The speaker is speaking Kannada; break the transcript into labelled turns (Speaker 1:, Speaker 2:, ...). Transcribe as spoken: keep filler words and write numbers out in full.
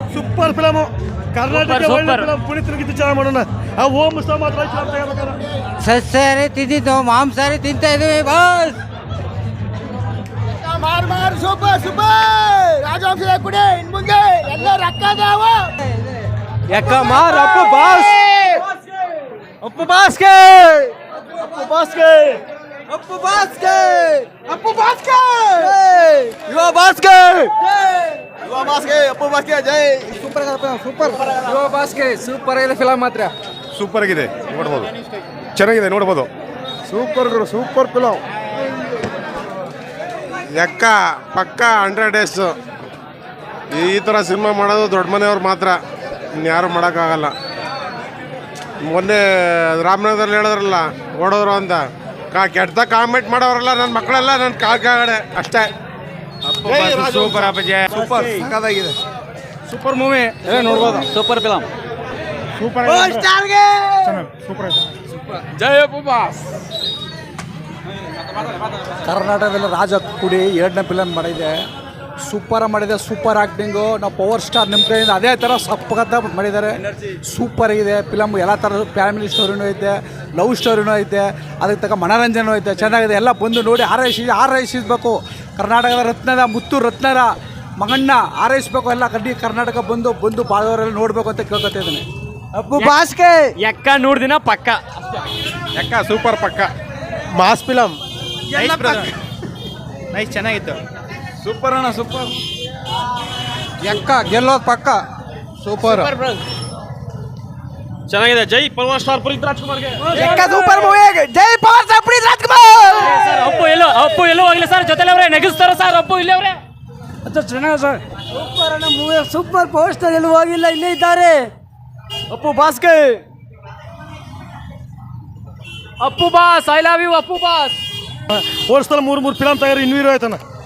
Speaker 1: ಸೂಪರ್ ಫಿಲಮ್ ಕರ್ನಾಟಕ ಒಳ್ಳೆ ಫಿಲಮ್ ಪುನೀತ್ ಚೆನ್ನಾಗಿ ಮಾಡೋಣ ಆ ಓಂ ಮುಸ್ತಾ ಮಾತ್ರ
Speaker 2: ಸಸ್ಯಾಹಾರಿ ತಿಂದಿದ್ದು ಮಾಂಸಾಹಾರಿ ತಿಂತಾ ಇದೀವಿ ಬಾಸ್
Speaker 3: ಮಾರ್ ಮಾರ್ ಸೂಪರ್ ಸೂಪರ್ ರಾಜವಂಶದ ಕುಡಿ ಇನ್ ಮುಂದೆ ಎಲ್ಲ ರಕ್ಕದಾವ
Speaker 2: ಯಾಕ ಮಾರ್ ಅಪ್ಪು ಬಾಸ್ ಅಪ್ಪು ಬಾಸ್ಗೆ
Speaker 1: ಅಪ್ಪು ಬಾಸ್ಗೆ
Speaker 2: ಅಪ್ಪು ಬಾಸ್ಗೆ
Speaker 3: ಅಪ್ಪು ಬಾಸ್ಕೆ
Speaker 2: ಯುವ ಬಾಸ್ಗೆ
Speaker 3: ಯುವ ಬಾಸ್ಕೆ ಅಪ್ಪು ಬಾಸ್ಕೆ ಜೈ ಸೂಪರ್ ಸೂಪರ್
Speaker 2: ಯುವ ಬಾಸ್ಗೆ ಸೂಪರ್ ಆಗಿದೆ ಫಿಲಮ್ ಮಾತ್ರ
Speaker 1: ಸೂಪರ್ ಆಗಿದೆ ನೋಡ್ಬೋದು ಚೆನ್ನಾಗಿದೆ ನೋಡ್ಬೋದು ಸೂಪರ್ ಸೂಪರ್ ಫಿಲಮ್
Speaker 4: ಲೆಕ್ಕ ಪಕ್ಕ ಹಂಡ್ರೆಡ್ ಡೇಸ್ ಈ ಥರ ಸಿನಿಮಾ ಮಾಡೋದು ದೊಡ್ಡ ಮನೆಯವ್ರು ಮಾತ್ರ ಇನ್ಯಾರು ಮಾಡೋಕ್ಕಾಗಲ್ಲ. ಮೊನ್ನೆ ರಾಮನಗರದಲ್ಲಿ ಹೇಳಿದ್ರಲ್ಲ ಓಡೋರು ಅಂತ ಕಾ ಕೆಟ್ಟ ಕಾಮೆಂಟ್ ಮಾಡೋರಲ್ಲ ನನ್ನ ಮಕ್ಕಳೆಲ್ಲ ನನ್ನ ಕಾಲ್ ಕಾಗಡೆ ಅಷ್ಟೇ.
Speaker 2: ಸೂಪರ್ ಅಪ್ಪಾಜಿ
Speaker 1: ಸೂಪರ್ ಸಕ್ಕತ್ತಾಗಿದೆ
Speaker 2: ಸೂಪರ್ ಮೂವಿ ನೋಡ್ಬೋದು ಸೂಪರ್ ಫಿಲಮ್
Speaker 1: ಸೂಪರ್ ಸೂಪರ್
Speaker 2: ಜೈ ಅಪ್ಪು ಬಾಸ್.
Speaker 5: ಕರ್ನಾಟಕದಲ್ಲಿ ರಾಜ ಕುಡಿ ಎರಡನೇ ಫಿಲಮ್ ಮಾಡಿದೆ, ಸೂಪರ್ ಮಾಡಿದೆ, ಸೂಪರ್ ಆ್ಯಕ್ಟಿಂಗು. ನಾವು ಪವರ್ ಸ್ಟಾರ್ ನಿಮ್ಮ ಕಡೆಯಿಂದ ಅದೇ ಥರ ಸಪ್ಪಗತ್ತ ಮಾಡಿದ್ದಾರೆ. ಸೂಪರ್ ಆಗಿದೆ ಫಿಲಮ್. ಎಲ್ಲ ಥರದ ಫ್ಯಾಮಿಲಿ ಸ್ಟೋರಿನೂ ಐತೆ, ಲವ್ ಸ್ಟೋರಿನೂ ಐತೆ, ಅದಕ್ಕೆ ತಕ್ಕ ಮನೋರಂಜನೆ ಐತೆ, ಚೆನ್ನಾಗಿದೆ. ಎಲ್ಲ ಬಂದು ನೋಡಿ ಆರೈಸಿ ಆರೈಸಿಸ್ಬೇಕು. ಕರ್ನಾಟಕದ ರತ್ನದ ಮುತ್ತು ರತ್ನದ ಮಗಣ್ಣ ಆರೈಸ್ಬೇಕು. ಎಲ್ಲ ಕಡ್ಡಿ ಕರ್ನಾಟಕ ಬಂದು ಬಂದು ಬಾಳವರೆಲ್ಲ ನೋಡಬೇಕು ಅಂತ ಕೇಳ್ಕೊತಾ ಇದ್ದೀನಿ.
Speaker 2: ಅಪ್ಪು ಬಾಸ್ಗೆ ಎಕ್ಕ ನೋಡ್ದಿನ ಪಕ್ಕ
Speaker 1: ಎಕ್ಕ ಸೂಪರ್ ಪಕ್ಕ ಮಾಸ್ ಫಿಲಮ್
Speaker 2: ನೈಸ್ ಚೆನ್ನಾಗಿತ್ತು.
Speaker 1: ಸೂಪರ್ ಅಣ್ಣ ಸೂಪರ್
Speaker 5: ಎಕ್ಕ ಗೆಲ್ಲೋದು ಪಕ್ಕ ಸೂಪರ್
Speaker 2: ಚೆನ್ನಾಗಿದೆ. ಜೈ ಪವರ್ ಸ್ಟಾರ್ ಪುನೀತ್ ರಾಜ್ಕುಮಾರ್ಗೆ.
Speaker 5: ಎಕ್ಕ ಸೂಪರ್ ಮೂವಿ. ಜೈ power star Puneeth Rajkumar.
Speaker 2: Sir Appu ಎಲ್ಲೋ ಅಪ್ಪು ಎಲ್ಲೋ ಹೋಗಿಲ್ಲ ಸರ್, ಜೊತೆಲಿ ಅವರೇ ನೆಗಿಸ್ತಾರ ಸರ್. ಅಪ್ಪು ಇಲ್ಲೇ ಅವರೇ ಚೆನ್ನಾಗಿದೆ ಸರ್.
Speaker 5: ಸೂಪರ್ ಅಣ್ಣ ಮೂವಿ ಸೂಪರ್. ಪವರ್ ಸ್ಟಾರ್ ಎಲ್ಲೂ ಹೋಗಿಲ್ಲ, ಇಲ್ಲೇ ಇದ್ದಾರೆ.
Speaker 2: ಅಪ್ಪು ಬಾಸ್ಗೆ Appu boss I love you Appu boss.
Speaker 1: ಹೋಲ್ಸ್ತಾರೆ ಮೂರು ಮೂರು ಫಿಲಮ್ ತಯಾರಿ ಇನ್ನೂ ಇರೋ ಆಯ್ತಾನ